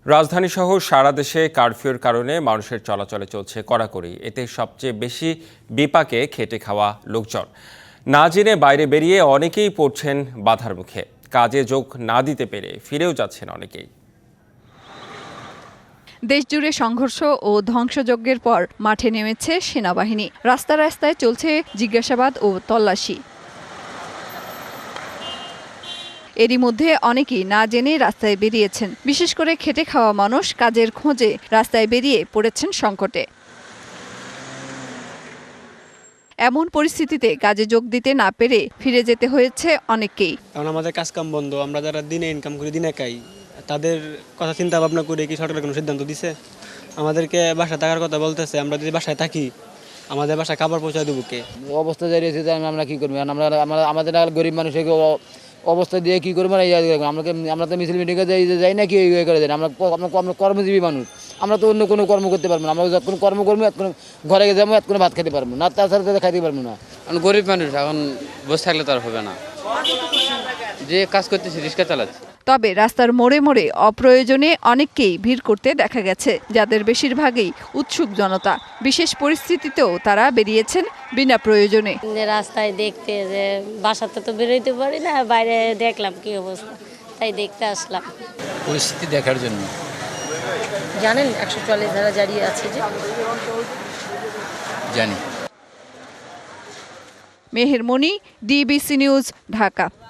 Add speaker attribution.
Speaker 1: রাজধানীসহ সারা দেশে কারফিউর কারণে মানুষের চলাচলে চলছে কড়াকড়ি। এতে সবচেয়ে বেশি বিপাকে খেটে খাওয়া লোকজন। না জেনে বাইরে বেরিয়ে অনেকেই পড়ছেন বাধার মুখে। কাজে যোগ না দিতে পেরে ফিরেও যাচ্ছেন অনেকেই।
Speaker 2: দেশজুড়ে সংঘর্ষ ও ধ্বংসযজ্ঞের পর মাঠে নেমেছে সেনাবাহিনী। রাস্তায় রাস্তায় চলছে জিজ্ঞাসাবাদ ও তল্লাশি। এরই মধ্যে অনেকেই না জেনে রাস্তায় বেরিয়েছেন। বিশেষ করে খেটে খাওয়া মানুষ কাজের খোঁজে রাস্তায় বেরিয়ে পড়েছেন সংকটে। এমন পরিস্থিতিতে কাজে যোগ দিতে না পেরে ফিরে যেতে হয়েছে অনেককেই।
Speaker 3: কারণ আমাদের কাজকাম বন্ধ, আমরা যারা দিনে ইনকাম করি দিনে খাই, তাদের কথা চিন্তা ভাবনা করে কি সরকার কোনো সিদ্ধান্ত দিছে? আমাদেরকে বাসায় থাকার কথা বলতেছে, আমরা যদি বাসায় থাকি আমাদের বাসায় খাবার পৌঁছায় দেবো কে?
Speaker 4: অবস্থা দাঁড়িয়েছে আমরা কি করবো? আমরা আমাদের গরিব মানুষের অবস্থা দিয়ে কি করবো? আমরা তো মিছিল মিটিংয়ে যাই না, কি করে দেন? আমরা কর্মজীবী মানুষ, আমরা তো অন্য কোনো কর্ম করতে পারবো না। আমরা যখন কর্ম করবো এতক্ষণ ঘরে যাবো, এতক্ষণ ভাত খেতে পারবো না, তাছাড়া খাইতে পারবো না।
Speaker 5: গরিব মানুষ এখন বসে থাকলে তো আর হবে না, যে কাজ করতেছি রিক্সা চালাচ্ছি।
Speaker 2: তবে রাস্তার মোড়ে মোড়ে অপ্রয়োজনে অনেককেই ভিড় করতে দেখা গেছে, যাদের বেশিরভাগই উৎসুক জনতা। বিশেষ পরিস্থিতিতেও তারা বেরিয়েছেন বিনা প্রয়োজনে।
Speaker 6: রাস্তায় দেখতে যে বাসাতে তো বেরোইতে পারি না, বাইরে দেখলাম কি অবস্থা, তাই দেখতে আসলাম।
Speaker 5: পরিস্থিতি দেখার জন্য।
Speaker 6: জানেন 144 ধারা জারি আছে যে?
Speaker 5: জানি।
Speaker 2: Meher Moni, DBC news, Dhaka.